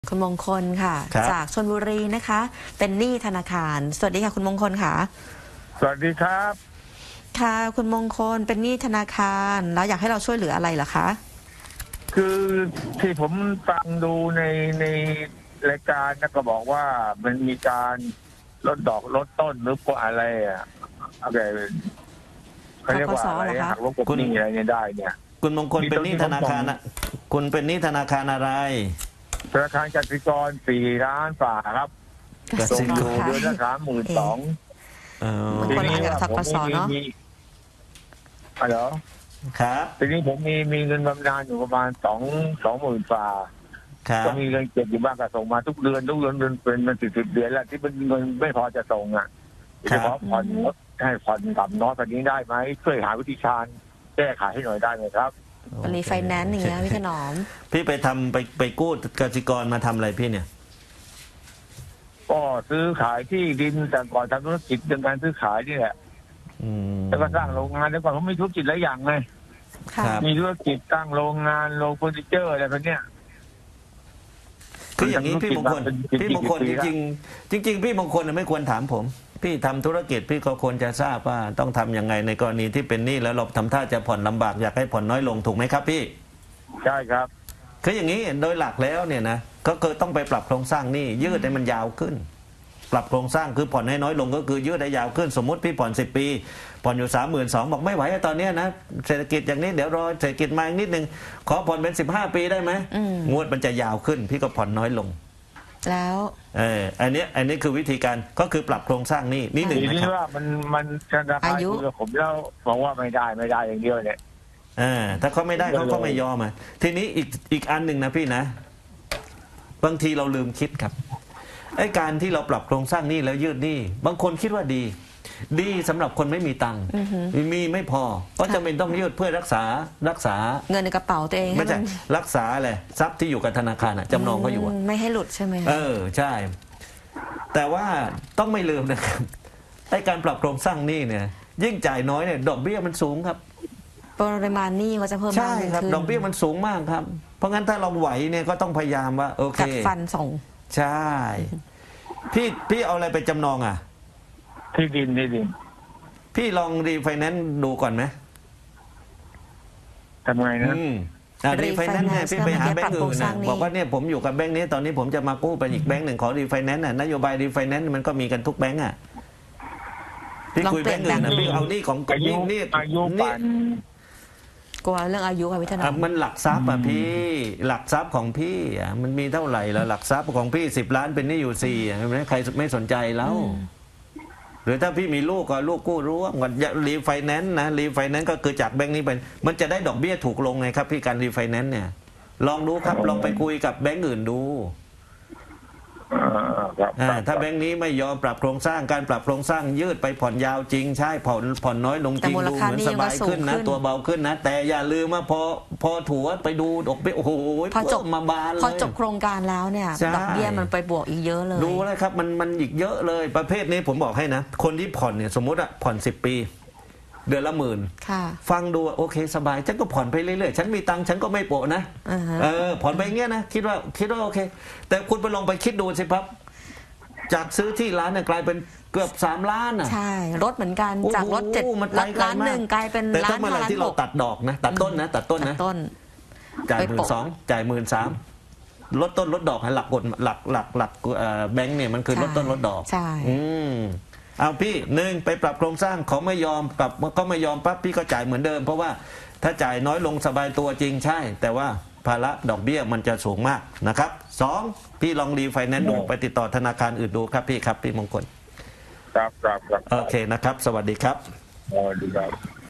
คุณมงคลค่ะจากชลบุรีนะคะเป็นหนี้ธนาคารสวัสดีค่ะคุณมงคลค่ะสวัสดีครับค่ะคุณมงคลเป็นหนี้ธนาคารแล้วอยากให้เราช่วยเหลืออะไรเหรอคะคือที่ผมฟังดูในรายการนะก็บอกว่ามันมีการลดดอกลดต้นหรือว่าอะไรอะไรเขาเรียกว่าอะไรหักลบกบหนี้อะไรเนี่ยได้เนี่ยคุณมงคลเป็นหนี้ธนาคารนะคุณเป็นหนี้ธนาคารอะไรธนาคารกสิกร4 ล้านฝ่าครับส่งอยู่เดือนละ32,000 ทีนี้ว่าผมมีเหรอครับทีนี้ผมมีเงินบำนาญอยู่ประมาณ20,000 ฝ่าก็มีเงินเก็บอยู่บ้างก็ส่งมาทุกเดือนเป็นมัน10 เดือนแล้วที่เป็นเงินไม่พอจะส่งจะขอผ่อนให้ผ่อนต่ำน้อยกว่านี้ได้ไหมช่วยหาวิธีการแก้ไขให้หน่อยได้ไหมครับรีไฟแนนซ์อย่างเงี้ยพี่ถนอมพี่ไปกู้กสิกรมาทำอะไรพี่เนี่ยก็ซื้อขายที่ดินแต่ก่อนทำธุรกิจเรื่องการซื้อขายนี่แหละแล้วก็สร้างโรงงานแล้วก่อนผมมีธุรกิจหลายอย่างไงมีธุรกิจตั้งโรงงานโรงเฟอร์นิเจอร์อะไรแบบเนี้ยคืออย่างนี้พี่มงคลจริงพี่มงคลไม่ควรถามผมพี่ทำธุรกิจพี่ก็ควรจะทราบว่าต้องทำยังไงในกรณีที่เป็นหนี้แล้วเราทำท่าจะผ่อนลำบากอยากให้ผ่อนน้อยลงถูกไหมครับพี่ใช่ครับคืออย่างนี้โดยหลักแล้วเนี่ยนะก็คือต้องไปปรับโครงสร้างหนี้ยืดให้มันยาวขึ้นปรับโครงสร้างคือผ่อนให้น้อยลงก็คือยืดให้ยาวขึ้นสมมติพี่ผ่อน10 ปีผ่อนอยู่32,000บอกไม่ไหวตอนนี้นะเศรษฐกิจอย่างนี้เดี๋ยวรอเศรษฐกิจมาอีกนิดนึงขอผ่อนเป็น15 ปีได้ไหมงวดมันจะยาวขึ้นพี่ก็ผ่อนน้อยลงแล้วอันนี้คือวิธีการก็คือปรับโครงสร้างหนี้นิดหนึ่งนะครับว่ามันธนาคารคุยกับผมแล้วบอกว่าไม่ได้อย่างเดียวเนี่ยถ้าเขาไม่ได้เขาก็ไม่ยอมทีนี้อีกอันหนึ่งนะพี่นะบางทีเราลืมคิดครับไอ้การที่เราปรับโครงสร้างหนี้แล้วยืดหนี้บางคนคิดว่าดีสำหรับคนไม่มีตังค์มีไม่พอก็จำเป็นต้องยืดเพื่อรักษาเงินในกระเป๋าตัวเองไม่ใช่รักษาอะไรทรัพย์ที่อยู่กับธนาคารจำนองเขาอยู่ไม่ให้หลุดใช่ไหมใช่แต่ว่าต้องไม่ลืมนะครับไอ้การปรับโครงสร้างหนี้เนี่ยยิ่งจ่ายน้อยเนี่ยดอกเบี้ยมันสูงครับปริมาณหนี้ก็จะเพิ่มมากใช่ครับดอกเบี้ยมันสูงมากครับเพราะงั้นถ้าเราไหวเนี่ยก็ต้องพยายามว่าโอเคกัดฟันส่งใช่พี่เอาอะไรไปจำนองที่ดินพี่ลองรีไฟแนนซ์ดูก่อนไหมทำไงนะรีไฟแนนซ์เนี่ยพี่ไปหาแบงก์อื่นนะบอกว่าเนี่ยผมอยู่กับแบงก์นี้ตอนนี้ผมจะมากู้ไปอีกแบงก์หนึ่งขอรีไฟแนนซ์นโยบายรีไฟแนนซ์มันก็มีกันทุกแบงก์พี่คุยแบงก์อื่นนะพี่เอานี่ของนี่อายุกลัวเรื่องอายุค่ะพี่ธนามันหลักทรัพย์พี่หลักทรัพย์ของพี่มันมีเท่าไหร่แล้วหลักทรัพย์ของพี่10 ล้านเป็นหนี้อยู่4ใครไม่สนใจแล้วหรือถ้าพี่มีลูกก็ลูกกู้ร่วมกันรีไฟแนนซ์นะรีไฟแนนซ์ก็คือจากแบงก์นี้ไปมันจะได้ดอกเบี้ยถูกลงไงครับพี่การรีไฟแนนซ์เนี่ยลองดูครับลองไปคุยกับแบงก์อื่นดูถ้าแบงก์นี้ไม่ยอมปรับโครงสร้างการปรับโครงสร้างยืดไปผ่อนยาวจริงใช่ผ่อนน้อยลงจริงดูเหมือนสบายขึ้นนะตัวเบาขึ้นนะแต่อย่าลืมว่าพอถัวไปดูดอกเบี้ยโอ้โหพอจบมาบานเลยพอจบโครงการแล้วเนี่ยดอกเบี้ยมันไปบวกอีกเยอะเลยดูเลยครับมันอีกเยอะเลยประเภทนี้ผมบอกให้นะคนที่ผ่อนเนี่ยสมมติผ่อน10 ปีเดือนละ10,000ฟังดูโอเคสบายฉันก็ผ่อนไปเรื่อยๆฉันมีตังค์ฉันก็ไม่โปะนะผ่อนไปเงี้ยนะคิดว่าโอเคแต่คุณไปลองไปคิดดูสิครับจากซื้อที่ร้านเนี่ยกลายเป็นเกือบ3 ล้านใช่รถเหมือนกันจากรถ7 ล้าน1กลายเป็นล้าน5 ล้านที่เราตัดดอกนะตัดต้นนะจ่าย12,000จ่าย13,000ลดต้นลดดอกให้หลักกฎหลักแบงค์เนี่ยมันคือลดต้นลดดอกใช่เอาพี่1ไปปรับโครงสร้างเขาไม่ยอมปรับก็ไม่ยอมปั๊บพี่ก็จ่ายเหมือนเดิมเพราะว่าถ้าจ่ายน้อยลงสบายตัวจริงใช่แต่ว่าภาระดอกเบี้ยมันจะสูงมากนะครับ2พี่ลองรีไฟแนนซ์ดูไปติดต่อธนาคารอื่นดูครับพี่มงคลครับโอเคนะครับสวัสดีครับสวัสดีครับ